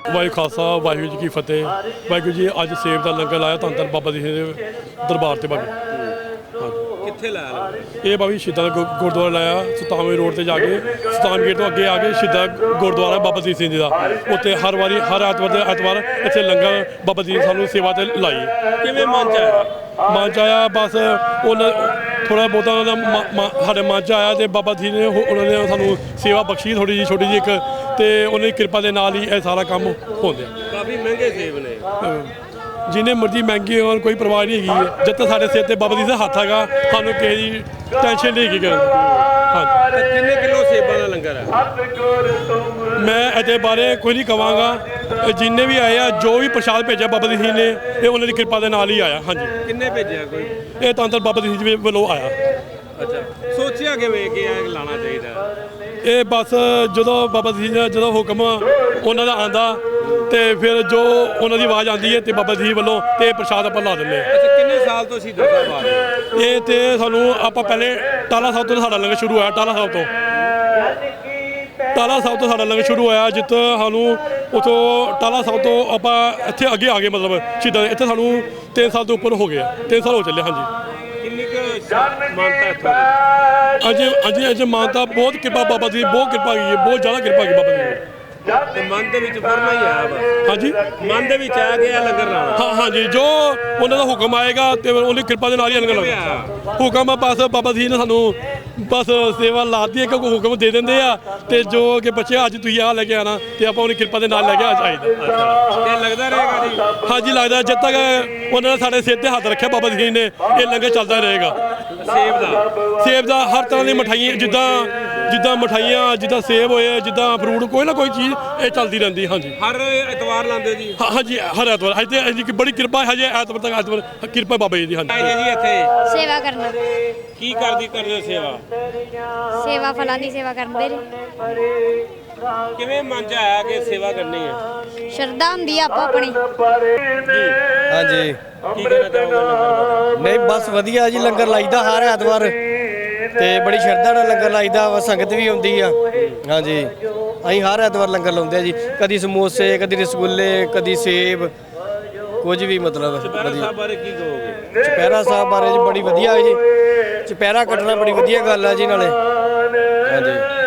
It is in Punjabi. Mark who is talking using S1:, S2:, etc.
S1: ਵਾਹਿਗੁਰੂ ਖਾਲਸਾ ਵਾਹਿਗੁਰੂ ਜੀ ਕੀ ਫਤਿਹ। ਵਾਹਿਗੁਰੂ ਜੀ ਅੱਜ ਸੇਬ ਦਾ ਲੰਗਰ ਲਾਇਆ ਧੰਨ ਧੰਨ ਬਾਬਾ ਜੀ ਦੇ ਦਰਬਾਰ ਤੇ ਬਾਬੂ।
S2: ਕਿੱਥੇ ਲਾਇਆ?
S1: ਇਹ ਬਾਬਾ ਜੀ ਸ਼ਹੀਦਾਂ ਦਾ ਗੁਰਦੁਆਰਾ ਲਾਇਆ ਸੁਲਤਾਨਵੇਂ ਰੋਡ ਤੇ ਜਾ ਕੇ ਸੁਲਤਾਨ ਗੇਟ ਤੋਂ ਅੱਗੇ ਆ ਕੇ ਸ਼ਹੀਦਾਂ ਗੁਰਦੁਆਰਾ ਬਾਬਾ ਦੀਪ ਸਿੰਘ ਜੀ ਦਾ। ਉੱਥੇ ਹਰ ਵਾਰੀ ਹਰ ਐਤਵਾਰ ਦੇ ਐਤਵਾਰ ਇੱਥੇ ਲੰਗਰ ਬਾਬਾ ਜੀ ਸਾਨੂੰ ਸੇਵਾ ਤੇ ਲਾਈ।
S2: ਕਿਵੇਂ ਮਨ ਚ ਆਇਆ?
S1: ਮਨ ਚ ਆਇਆ ਬਸ ਉਹਨਾਂ ਥੋੜਾ ਬਹੁਤਾ ਉਹਨਾਂ ਦਾ ਸਾਡੇ ਮਨ ਚ ਆਇਆ ਤੇ ਬਾਬਾ ਜੀ ਨੇ ਉਹਨਾਂ ਨੇ ਸਾਨੂੰ ਸੇਵਾ ਬਖਸ਼ੀ ਥੋੜੀ ਜਿਹੀ ਛੋਟੀ ਜਿਹੀ ਇੱਕ, ਤੇ ਉਹਨਾਂ ਦੀ ਕਿਰਪਾ ਦੇ ਨਾਲ ਹੀ ਇਹ ਸਾਰਾ ਕੰਮ ਹੁੰਦੇ।
S2: ਕਾਫੀ ਮਹਿੰਗੇ ਸੇਬ ਨੇ।
S1: ਜਿੰਨੇ ਮਰਜ਼ੀ ਮਹਿੰਗੇ ਹੋਣ ਕੋਈ ਪਰਵਾਹ ਨਹੀਂ ਹੈਗੀ, ਜਦ ਤੱਕ ਸਾਡੇ ਸਿਰ ਤੇ ਬਾਬਾ ਜੀ ਦਾ ਹੱਥ ਹੈਗਾ ਸਾਨੂੰ ਕਿਸੇ ਦੀ ਟੈਨਸ਼ਨ ਨਹੀਂ ਹੈਗੀ। ਹਾਂਜੀ,
S2: ਕਿੰਨੇ ਕਿਲੋ ਸੇਬਾਂ ਦਾ ਲੰਗਰ ਹੈ?
S1: ਮੈਂ ਇਹਦੇ ਬਾਰੇ ਕੁਝ ਨਹੀਂ ਕਵਾਂਗਾ। ਜਿੰਨੇ ਵੀ ਆਏ ਆ ਜੋ ਵੀ ਪ੍ਰਸ਼ਾਦ ਭੇਜਿਆ ਬਾਬਾ ਜੀ ਨੇ ਇਹ ਉਹਨਾਂ ਦੀ ਕਿਰਪਾ ਦੇ ਨਾਲ ਹੀ ਆਇਆ। ਹਾਂਜੀ,
S2: ਕਿੰਨੇ ਭੇਜਿਆ? ਕੋਈ
S1: ਇਹ ਤਾਂ ਬਾਬਾ ਜੀ ਵੱਲੋਂ ਆਇਆ।
S2: ਅੱਛਾ, ਸੋਚਿਆ ਕਿਵੇਂ ਕਿ ਇਹ ਲਾਣਾ ਚਾਹੀਦਾ?
S1: ਇਹ ਬਸ ਜਦੋਂ ਬਾਬਾ ਜੀ ਦਾ ਜਦੋਂ ਹੁਕਮ ਉਹਨਾਂ ਦਾ ਆਂਦਾ ਤੇ ਫਿਰ ਜੋ ਉਹਨਾਂ ਦੀ ਆਵਾਜ਼ ਆਉਂਦੀ ਹੈ ਤੇ ਬਾਬਾ ਜੀ ਵੱਲੋਂ ਤੇ ਪ੍ਰਸ਼ਾਦ ਆਪਾਂ ਲਾ ਦਿੰਦੇ ਹਾਂ।
S2: ਅੱਛਾ, ਕਿੰਨੇ ਸਾਲ ਤੋਂ ਸ਼ਹੀਦਾਂ ਸਾਹਿਬ ਆ ਰਹੇ?
S1: ਇਹ ਤੇ ਸਾਨੂੰ ਆਪਾਂ ਪਹਿਲੇ ਟਾਲਾ ਸਾਹਿਬ ਤੋਂ ਸਾਡਾ ਲੰਗਰ ਸ਼ੁਰੂ ਹੋਇਆ। ਟਾਲਾ ਸਾਹਿਬ ਤੋਂ ਸਾਡਾ ਲੰਗਰ ਸ਼ੁਰੂ ਹੋਇਆ, ਜਿੱਥੇ ਸਾਨੂੰ ਉੱਥੋਂ ਟਾਲਾ ਸਾਹਿਬ ਤੋਂ ਆਪਾਂ ਇੱਥੇ ਅੱਗੇ ਆ ਗਏ, ਮਤਲਬ ਸ਼ਹੀਦਾਂ ਇੱਥੇ ਸਾਨੂੰ 3 ਸਾਲ ਤੋਂ ਉੱਪਰ ਹੋ ਗਏ, 3 ਸਾਲ ਹੋ ਚੱਲੇ। ਹਾਂਜੀ,
S2: ਕਿੰਨੀ ਕੁ ਮਾਨਤਾ ਇੱਥੋਂ?
S1: ਅੱਜ ਮਾਨਤਾ ਬਹੁਤ ਕਿਰਪਾ ਬਾਬਾ ਜੀ, ਬਹੁਤ ਕਿਰਪਾ ਕੀਤੀ ਹੈ, ਬਹੁਤ ਜ਼ਿਆਦਾ ਕਿਰਪਾ ਕੀਤੀ ਬਾਬਾ ਜੀ ਨੇ।
S2: ਤੇ ਮਨ ਦੇ ਵਿੱਚ ਫਰਮਾ ਹੀ ਆਇਆ ਬਸ।
S1: ਹਾਂਜੀ,
S2: ਮਨ ਦੇ ਵਿੱਚ ਆ ਗਿਆ ਲੰਗਰ ਲਾਣਾ।
S1: ਹਾਂ ਹਾਂਜੀ, ਜੋ ਉਹਨਾਂ ਦਾ ਹੁਕਮ ਆਏਗਾ ਤੇ ਉਹਦੀ ਕਿਰਪਾ ਦੇ ਨਾਲ ਹੀ ਲੰਗਰ ਲਾਉਣਾ। ਹੁਕਮ ਬਸ ਬਾਬਾ ਜੀ ਨੇ ਸਾਨੂੰ ਬਸ ਸੇਵਾ ਲਾਤੀ ਹੈ ਕਿ ਹੁਕਮ ਦੇ ਦਿੰਦੇ ਆ ਤੇ ਜੋ ਕਿ ਬੱਚੇ ਅੱਜ ਤੁਸੀਂ ਆਹ ਲੈ ਕੇ ਆਣਾ ਤੇ ਆਪਾਂ ਉਹਦੀ ਕਿਰਪਾ ਦੇ ਨਾਲ ਲੈ ਕੇ ਆ ਜਾਈਦਾ।
S2: ਤੇ ਲੱਗਦਾ ਰਹੇਗਾ ਜੀ?
S1: ਹਾਂਜੀ, ਲੱਗਦਾ ਜਦ ਤੱਕ ਉਹਨਾਂ ਨੇ ਸਾਡੇ ਸਿਰ ਤੇ ਹੱਥ ਰੱਖਿਆ ਬਾਬਾ ਜੀ ਨੇ ਇਹ ਲੰਗਰ ਚੱਲਦਾ ਰਹੇਗਾ। ਸੇਬ ਦਾ ਹਰ ਤਰ੍ਹਾਂ ਦੀ ਮਠਾਈਆਂ, ਜਿੱਦਾਂ ਮਠਾਈਆਂ, ਜਿੱਦਾਂ ਸੇਬ ਹੋਏ, ਜਿੱਦਾਂ ਫਰੂਟ, ਕੋਈ ਨਾ ਕੋਈ ਚੀਜ਼ ਇਹ ਚੱਲਦੀ ਰਹਿੰਦੀ। ਹਾਂਜੀ,
S2: ਹਰ ਐਤਵਾਰ ਲਾਉਂਦੇ ਜੀ?
S1: ਹਾਂਜੀ, ਹਰ ਐਤਵਾਰ। ਅੱਜ ਤੇ ਬੜੀ ਕਿਰਪਾ ਹਜੇ ਐਤਵਾਰ ਤੱਕ, ਐਤਵਾਰ ਕਿਰਪਾ ਬਾਬਾ ਜੀ ਦੀ। ਹਾਂਜੀ
S2: ਜੀ, ਇੱਥੇ
S3: ਸੇਵਾ ਕਰਨਾ।
S2: ਕੀ ਕਰਦੇ ਹੋ ਸੇਵਾ?
S3: ਸੇਵਾ ਫਲਾਂ ਦੀ ਸੇਵਾ ਕਰਦੇ ਨੇ।
S2: ਕਿਵੇਂ ਮਨ ਚ ਆਇਆ ਕਿ ਸੇਵਾ ਕਰਨੀ ਹੈ?
S3: ਸ਼ਰਧਾ ਹੁੰਦੀ ਆ ਆਪੋ ਆਪਣੀ।
S4: ਹਾਂਜੀ,
S2: ਕੀ ਕਹਿਣਾ ਚਾਹੋਗੇ?
S4: ਨਹੀਂ ਬਸ ਵਧੀਆ ਜੀ, ਲੰਗਰ ਲਾਈਦਾ ਹਰ ਐਤਵਾਰ ਤੇ ਬੜੀ ਸ਼ਰਧਾ ਨਾਲ ਲੰਗਰ ਲਾਈਦਾ ਵਾ, ਸੰਗਤ ਵੀ ਆਉਂਦੀ ਆ। ਹਾਂਜੀ, ਅਸੀਂ ਹਰ ਐਤਵਾਰ ਲੰਗਰ ਲਾਉਂਦੇ ਆ ਜੀ, ਕਦੀ ਸਮੋਸੇ, ਕਦੀ ਰਸਗੁੱਲੇ, ਕਦੀ ਸੇਬ, ਕੁਝ ਵੀ ਮਤਲਬ
S2: ਚੁਪਹਿਰਾ ਸਾਹਿਬ ਬਾਰੇ ਕੀ ਕਹੋਗੇ?
S4: ਚੁਪਹਿਰਾ ਸਾਹਿਬ ਬਾਰੇ ਜੀ ਬੜੀ ਵਧੀਆ ਜੀ, ਚੁਪਹਿਰਾ ਕੱਟਣਾ ਬੜੀ ਵਧੀਆ ਗੱਲ ਆ ਜੀ ਨਾਲੇ। ਹਾਂਜੀ।